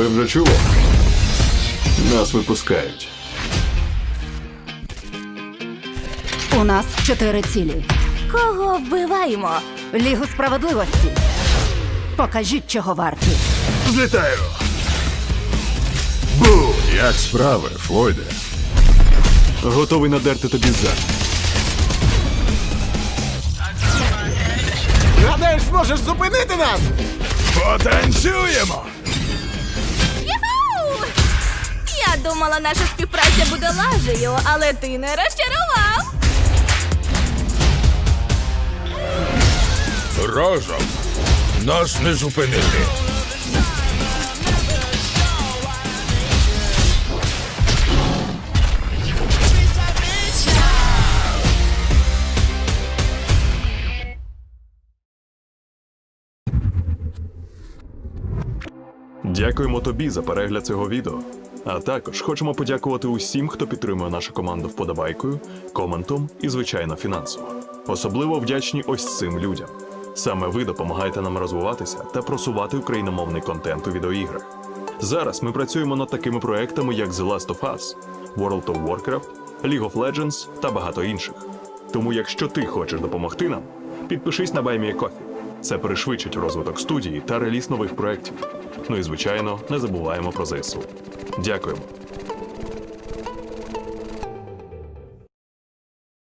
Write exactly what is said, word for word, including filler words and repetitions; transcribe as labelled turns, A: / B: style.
A: Ви вже чули? Нас випускають.
B: У нас чотири цілі.
C: Кого вбиваємо?
B: Лігу справедливості. Покажіть, чого варті.
A: Злітаю! Бу! Як справи, Флойде? Готовий надерти тобі зад.
D: Гадаєш, зможеш зупинити нас?
A: Потанцюємо!
C: Юху! Я думала, наша співпраця буде лажею, але ти не розчарував.
E: Разом нас не зупинити.
A: Дякуємо тобі за перегляд цього відео. А також хочемо подякувати усім, хто підтримує нашу команду вподобайкою, коментом і, звичайно, фінансово. Особливо вдячні ось цим людям. Саме ви допомагаєте нам розвиватися та просувати україномовний контент у відеоіграх. Зараз ми працюємо над такими проектами, як The Last of Us, World of Warcraft, League of Legends та багато інших. Тому якщо ти хочеш допомогти нам, підпишись на BuyMeACoffee. Це пришвидшить розвиток студії та реліз нових проєктів. Ну і, звичайно, не забуваємо про ЗСУ. Дякуємо.